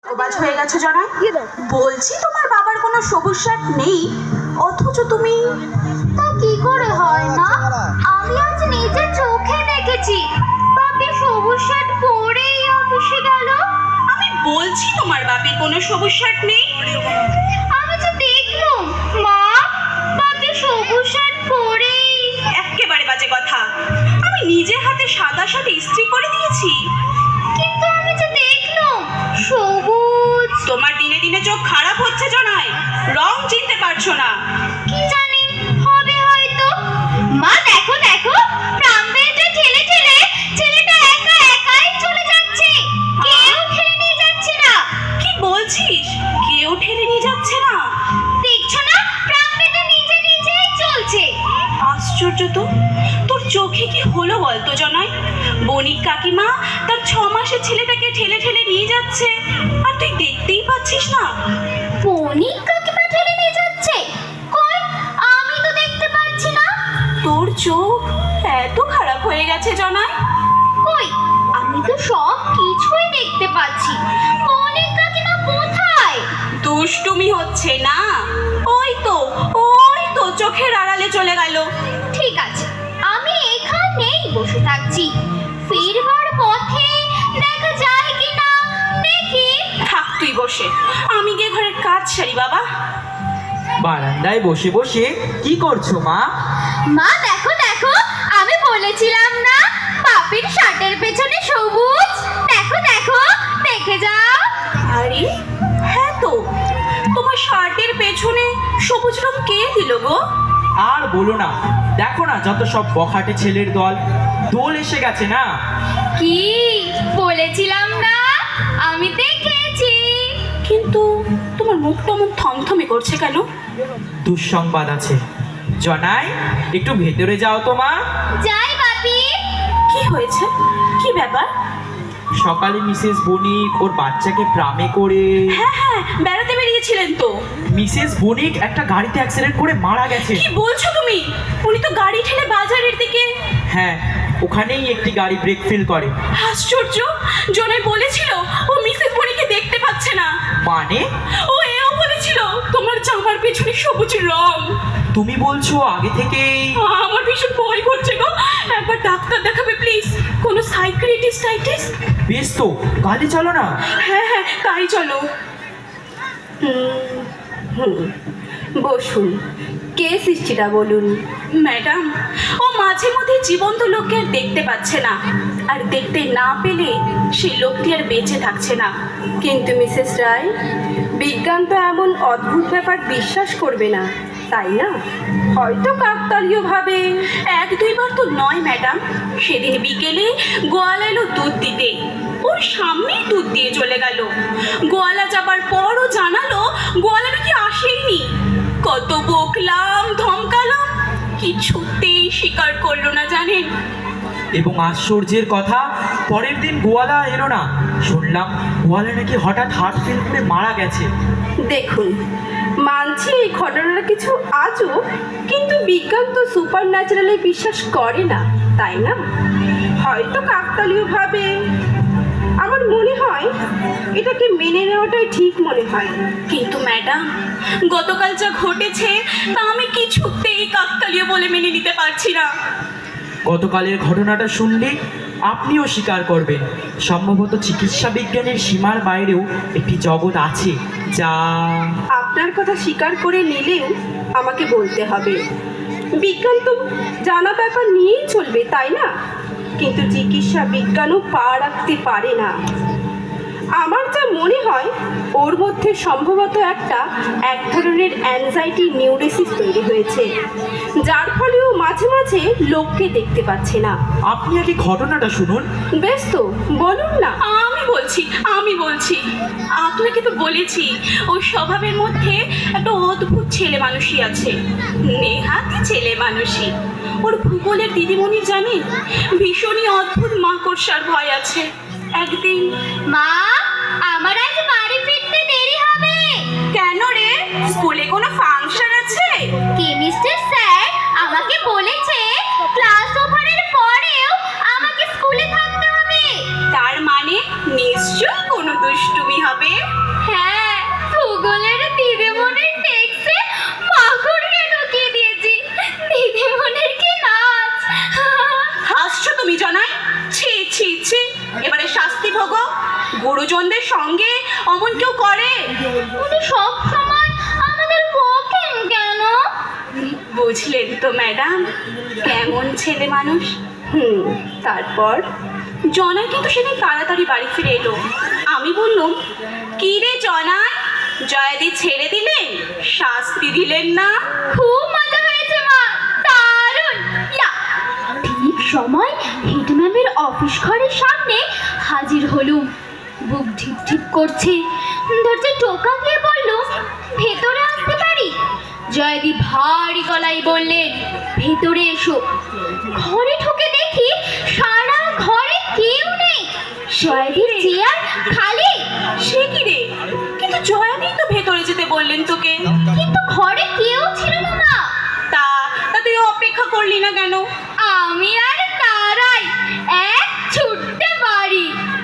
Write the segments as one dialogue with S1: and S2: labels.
S1: অবাজ হয়ে গেছো জনাই। বলছি তোমার বাবার কোনো সবুজ শার্ট নেই, অথচ তুমি।
S2: তা কি করে হয় মা? আমি আজ নিজের চোখে দেখেছি বাপি সবুজ শার্ট পরেই অফিসে গেল।
S1: আমি বলছি তোমার বাপের কোনো সবুজ শার্ট নেই।
S2: আমি তো দেখলাম মা বাপি সবুজ শার্ট পরেই।
S1: একেবারে বাজে কথা। আমি নিজে হাতে সাদা শার্ট ইস্ত্রি করে দিয়েছি।
S2: কিন্তু আমি তো দেখলাম সবুজ।
S1: তোমার দিনে দিনে চোখ খারাপ হচ্ছে জনাই, রং চিনতে পারছো না।
S2: কি জানি হবে হয়তো। মা দেখো দেখো, প্রামবেলটা ঠেলে ঠেলে ছেলেটা একা একাই চলে যাচ্ছে, কেউ ঠেলে নিয়ে যাচ্ছে না।
S1: কি বলছিস? কেউ ঠেলে নিয়ে যাচ্ছে না?
S2: দেখছো না প্রামবেলটা নিজে নিজেই চলছে।
S1: আশ্চর্য তো, তোর চোখে কি হলো বলতো জনাই? বণিক কাকিমা তার 6 মাসের ছেলেটাকে ঠেলে ঠেলে নিয়ে যাচ্ছে, আর তুই দেখতেই পাচ্ছিস না?
S2: বণিক কাকিমা ঠেলে নিয়ে যাচ্ছে? কই, আমি তো দেখতে পাচ্ছি না।
S1: তোর চোখ এত খারাপ হয়ে গেছে জনাই?
S2: কই, আমি তো সব কিছুই দেখতে পাচ্ছি। বণিক কাকিমা কোথায়?
S1: দুষ্টুমি হচ্ছে না? ওই তো চোখের আড়ালে চলে গেল।
S2: ঠিক আছে, আমি এখানেই বসে থাকছি, ফিরবার পথে দেখা যায় কিনা দেখি।
S1: থাক তুই বসে, আমি গিয়ে ঘরের কাজ সারি বাবা।
S3: বারান্দায় বসে বসে কি করছো মা?
S2: মা দেখো দেখো, আমি বলেছিলাম না পাপির শার্টের পেছনে সবুজ। দেখো দেখো, দেখে যাও।
S1: আরে হ্যাঁ তো, তোমার শার্টের পেছনে সবুজ রং কে দিল গো?
S3: আর বলো না, দেখো না যত সব বখাটে ছেলের দল, দোল এসে গেছে না।
S2: কি বলেছিলাম না, আমি দেখেছি।
S1: কিন্তু তোমার মুখটা এমন থমথমে করছে কেন?
S3: দুঃসংবাদ আছে জনাই, একটু ভেতরে যাও তো মা।
S2: যাই বাপি।
S1: কি হয়েছে? কি ব্যাপার?
S3: সকালে মিসেস বণিক ওর বাচ্চাকে প্রামে করে।
S1: হ্যাঁ, বেড়াতে বেরিয়েছিলেন তো।
S3: মিসেস বণিক একটা গাড়িতে অ্যাক্সিডেন্ট করে মারা গেছে।
S1: কি বলছো তুমি? উনি তো গাড়ি ঠেলে বাজারের দিকে।
S3: হ্যাঁ, ওখানেই একটি গাড়ি ব্রেক ফেল করে।
S1: আশ্চর্য, জনাই বলেছিল ও মিসেস বণিকে দেখতে পাচ্ছে না।
S3: মানে?
S1: ও এও বলেছিল তোমার জামার পেছনে সবুজ রং।
S3: তুমি বলছো আগে থেকেই?
S1: আমার ভীষণ ভয় করছে গো, একবার ডাক্তার দেখাবে প্লিজ, কোনো সাইকিয়াট্রিস্ট।
S3: বেশ তো, কালই চলো না।
S1: হ্যাঁ, তাই চলো। বসুন, কে সৃষ্টিটা বলুন। ম্যাডাম, ও মাঝে মধ্যে জীবন্ত লোককে আর দেখতে পাচ্ছে না, আর দেখতে না পেলে সেই লোকটি আর বেঁচে থাকছে না।
S4: কিন্তু মিসেস রায়, বিজ্ঞান তো এমন অদ্ভুত ব্যাপার বিশ্বাস করবে না, তাই না? হয়তো কাকতালীয়ভাবে।
S1: 1-2 বার তো নয় ম্যাডাম, সেদিন বিকেলে গোয়ালা এলো দুধ দিতে, ওর সামনেই দুধ দিয়ে চলে গেল। গোয়ালা যাবার পরও জানালো গোয়ালা নাকি আসেইনি। কত বকলাম, ধমকালাম, কিছুতেই স্বীকার করলো না জানেন।
S3: এবং আশ্চর্যের কথা, পরের দিন গোয়ালা এলো না। শুনলাম গোয়ালা নাকি হঠাৎ হার্ট ফেল করে মারা গেছে।
S4: দেখুন, মানছি এই ঘটনাটা কিছু আজব, কিন্তু বিজ্ঞান তো সুপার ন্যাচারালে বিশ্বাস করে না, তাই না? হয়তো কাকতালীয়ভাবে। আমার মনে হয় এটাকে মেনে নেওয়াটাই ঠিক মনে হয়।
S1: কিন্তু ম্যাডাম, গতকাল যা ঘটেছে তা আমি কিছুতেই কাকতালীয় বলে মেনে নিতে পারছি না।
S3: গতকালের ঘটনাটা শুনলে আপনিও স্বীকার করবেন, সম্ভবত চিকিৎসা বিজ্ঞানের সীমার বাইরেও একটি জগৎ আছে যা।
S4: আপনার কথা স্বীকার করে নিলেও আমাকে বলতে হবে, বিজ্ঞান তো জানা ব্যাপার নিয়েই চলবে, তাই না? কিন্তু চিকিৎসা বিজ্ঞানও পা রাখতে পারে না। আমার যা মনে হয় ওর মধ্যে সম্ভবত এক ধরনের অ্যাংজাইটি নিউরোসিস তৈরি হয়েছে, যার ফলে ও মাঝে মাঝে লোককে দেখতে পাচ্ছে না।
S3: আপনি আগে ঘটনাটা শুনুন।
S4: বেশ তো, বলুন না।
S1: আমি বলছি, আপনাকে তো বলেছি ওর স্বভাবের মধ্যে একটা অদ্ভুত ছেলে মানুষই আছে, নেহাতি ছেলে মানুষই। ওর ভূগোলের দিদিমণি জানেন, ভীষণই অদ্ভুত মাকড়সার ভয় আছে। একদিন।
S2: মা, আমার আজ বাড়ি ফিরতে দেরি হবে।
S1: কেন রে, স্কুলে কোনো ফাংশন আছে?
S2: কেমিস্ট্রি স্যার আমাকে বলেছে ক্লাস ওভারের পরেও আমাকে স্কুলে থাকতে হবে।
S1: তার মানে নিশ্চয়ই কোনো দুষ্টুমি হবে। সঙ্গে অমন কেউ করে?
S2: উনি সব সময় আমাদের বকেন কেন?
S1: বুঝলেন তো ম্যাডাম, কেমন ছেলে মানুষ।
S4: তারপর?
S1: জনাই কিন্তু সেদিন তাড়াতাড়ি বাড়ি ফিরে এলো। আমি বললাম, কি রে জনাই, জয়াদি ছেড়ে দিলেন, শাস্তি দিলেন না?
S2: খুব মজা হয়েছে মা, দারুণ। ইয়া! ঠিক সময় হেডম্যামের অফিস ঘরের সামনে হাজির হলুম। বুক ঢিপ ঢিপ করছে। দরজায় টোকা দিয়ে বলল, ভেতরে আসতে পারি? জয়দি ভারী গলায় বললেন, ভেতরে এসো। ঘরে ঢুকে দেখি সারা ঘরে কেউ নেই, জয়দির চেয়ার খালি।
S1: সে কি রে, কিন্তু জয়াদি তো ভেতরে যেতে বললেন তোকে।
S2: কিন্তু ঘরে কেউ ছিল না মা।
S1: তা তা তুই অপেক্ষা করলি না কেন?
S2: আমি আর তারাই এক ছুটতে পারি।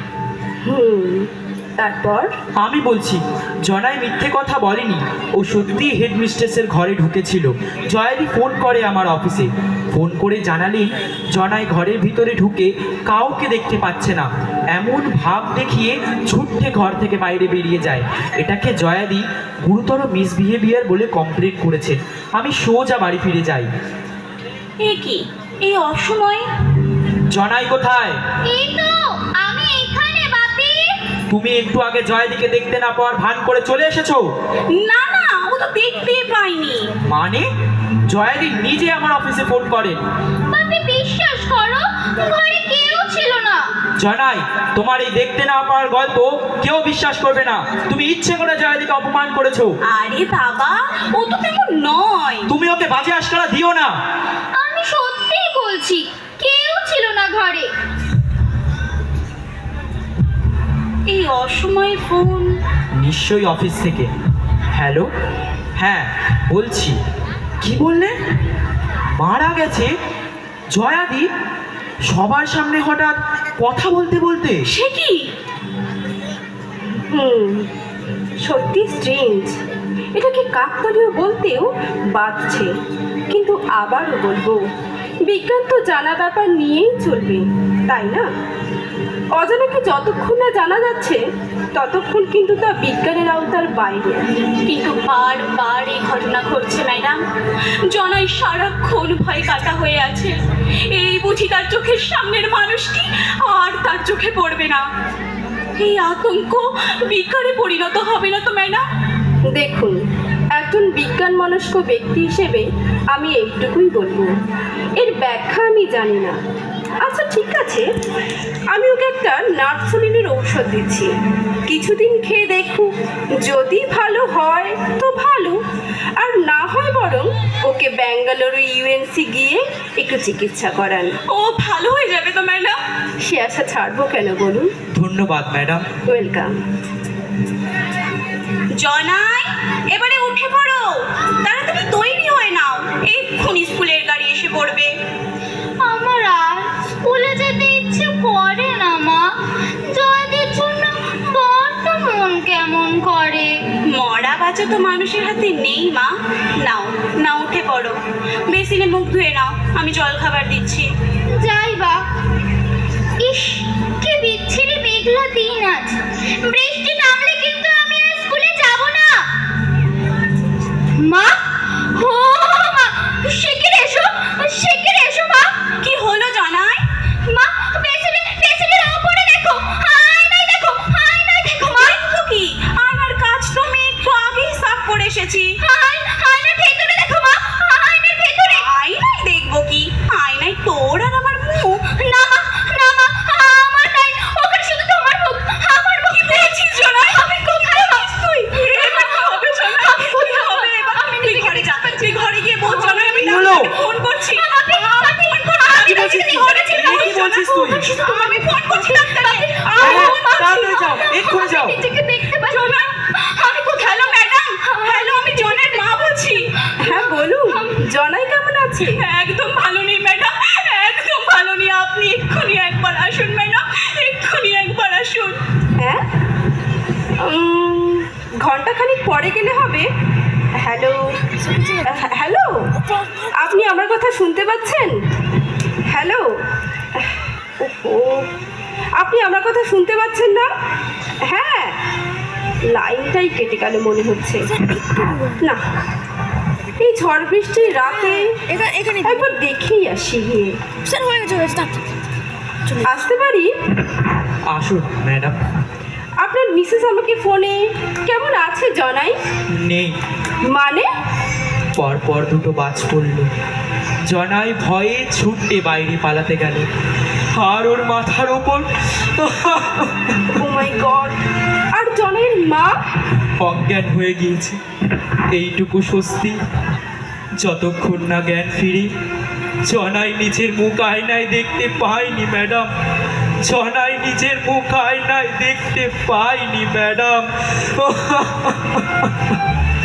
S4: তারপর?
S3: আমি বলছি, জনাই মিথ্যে কথা বলেনি। ও সত্যি হেডমিস্ট্রেসের ঘরে ঢুকেছিল। জয়াদি ফোন করে আমার অফিসে। ফোন করে জানালেন জনাই ঘরের ভিতরে ঢুকে কাউকে দেখতে পাচ্ছে না। এমন ভাব দেখিয়ে ছুটতে ঘর থেকে বাইরে বেরিয়ে যায়। এটাকে জয়াদি গুরুতর মিসবিহেভিয়ার বলে কমপ্লেন করেছে। আমি সোজা বাড়ি ফিরে যাই।
S1: এ কি, এই অসময়ে?
S3: জনাই কোথায়?
S2: এই তো আমি এখানে বাপি।
S3: তুমি একটু আগে জয়াদিকে দেখতে না পাওয়ার ভান করে চলে এসেছো?
S1: না না, ও তো দেখতেই পাইনি।
S3: মানে? জয়াদি নিজে আমার অফিসে ফোন করেন।
S2: বাপি বিশ্বাস করো, ঘরে কেউ ছিল না।
S3: জনাই, তোমার এই দেখতে না পাওয়ার গল্প কেউ বিশ্বাস করবে না। তুমি ইচ্ছে করে জয়াদিকে অপমান করেছো।
S1: আরে বাবা, ও তো তেমন নয়।
S3: তুমি ওকে বাজে আশকারা দিও না।
S2: আমি সত্যিই বলছি, কেউ ছিল না ঘরে।
S1: এই অসময়ে ফোন?
S3: নিশ্চয়ই অফিস থেকে। হ্যালো, হ্যাঁ বলছি। কি বললে? মারা গেছে জয়াদি? সবার সামনে হঠাৎ কথা বলতে বলতে?
S1: সে কি?
S4: সত্যি স্ট্রেঞ্জ। এটাকে কাকতালীয় বলতেও বাধছে, কিন্তু আবারও বলবো, বিজ্ঞান তো জানা ব্যাপার নিয়েই চলবে, তাই না? অজানাকে যতক্ষণ না জানা যাচ্ছে ততক্ষণ কিন্তু তা বিজ্ঞানের আওতার বাইরে।
S1: কিন্তু বারবার এই ঘটনা ঘটছে ম্যাডাম। জনাই সারাক্ষণ ভয় কাটা হয়ে আছে। এই বুঝি তার চোখের সামনের মানুষটি আর তার চোখে পড়বে না। এই আতঙ্ক বিকারে পরিণত হবে না তো ম্যাডাম?
S4: দেখুন, একজন বিজ্ঞান মনস্ক ব্যক্তি হিসেবে আমি এইটুকুই বলবো, এর ব্যাখ্যা আমি জানি না। আচ্ছা ঠিক আছে, আমি ওকে একটা নার্সোলিনের ঔষধ দিচ্ছি, কিছুদিন খেয়ে দেখুক। যদি ভালো হয় তো ভালো, আর না হয় বরং ওকে ব্যাঙ্গালোর ইউএনসি গিয়ে একটু চিকিৎসা করান।
S1: ও ভালো হয়ে যাবে তো ম্যাডাম?
S4: সে আশা ছাড়বো কেন বলুন।
S3: ধন্যবাদ ম্যাডাম।
S4: ওয়েলকাম।
S1: জনাই, এবারে উঠে পড়ো, তাড়াতাড়ি তৈরি হয়ে নাও, এক্ষুনি স্কুলের গাড়ি এসে পড়বে।
S2: আমার আর স্কুলে যেতে ইচ্ছে করে না মা। জয়দের জন্য বড্ড মন কেমন করে।
S1: মরা বাচ্চা তো মানুষের হাতে নেই মা। নাও না, উঠে পড়ো, বেসিনে মুখ ধুয়ে নাও, আমি জল খাবার দিচ্ছি।
S2: যাই বা। ইস, কি বিচ্ছিরি মেঘলা দিন আজ। বৃষ্টি নামলে কিন্তু আমি আর স্কুলে যাব না। মা, ও মা, শিগগির এসো, শিগগির এসো মা।
S1: কি হলো জনাই?
S2: মা, পেছনের ওপরে দেখো, আয়নায় দেখো, আয়নায় দেখো মা।
S1: দেখো কি, আয়নার কাজ তো আমি একটু আগেই সাফ করে এসেছি।
S2: আয়নার ভেতরে দেখো মা, আয়নার ভেতরে।
S1: আয়নায় দেখবো কি, আয়নায় তোর আর আমার মুখ।
S2: না মা, না মা, আমার নাই, ওখানে শুধু তোমার মুখ, আমার মুখ।
S1: কি বলছিস জনাই? আমি কোথায় তুই? এবার কি হবে জনাই?
S2: আমি
S1: কি হবে এবার? তুই ঘরে যা, তুই ঘরে গিয়ে বল জনাই আমি
S3: হলো?
S1: ফোন করছি।
S2: আপনি ফোন করুন।
S3: কি বলছিস তুই? কি বলছিস তুই?
S1: আমি ফোন করছি ডাক্তারকে।
S3: হ্যাঁ, তাড়াতাড়ি যাও, এক্ষুনি যাও।
S2: নিজেকে দেখতে পাচ্ছি।
S1: জনাই, আমি কোথায়? হ্যালো ম্যাডাম, হ্যালো, আমি জনের মা বলছি।
S4: হ্যাঁ বলুন, জনাই কেমন আছে?
S1: একদম ভালো নেই ম্যাডাম, একদম ভালো নেই। আপনি এক্ষুনি একবার আসুন ম্যাডাম, এক্ষুনি একবার আসুন।
S4: হ্যাঁ, ঘন্টাখানিক পরে গেলে হবে। হ্যালো, হ্যালো, আপনি আমার কথা শুনতে পাচ্ছেন? হ্যালো, ওহো, আপনি আমার কথা শুনতে পাচ্ছেন না? হ্যাঁ, লাইনটাই কেটে গেল মনে হচ্ছে। না, এই ঝড় বৃষ্টির রাতে
S5: এখানে
S4: একবার দেখেই আসি গিয়ে।
S5: স্যার হয়ে গেছে
S4: আসতে পারি?
S3: আসুন ম্যাডাম।
S4: আপনার মিসেস আমাকে ফোনে কেমন আছে জানাই?
S3: নেই।
S4: মানে?
S3: পরপর দুটো বাজ পড়ল। জনাই ভয়ে ছুটে বাইরে পালাতে গেল, আর ওর মাথার ওপর
S4: ও মাই গড! আর জনের মা?
S3: অজ্ঞান হয়ে গিয়েছে। এইটুকু স্বস্তি, যতক্ষণ না জ্ঞান ফিরে। জনাই নিজের মুখ আয়নায় দেখতে পাইনি ম্যাডাম, জনাই নিজের মুখ আয়নায় দেখতে পাইনি ম্যাডাম।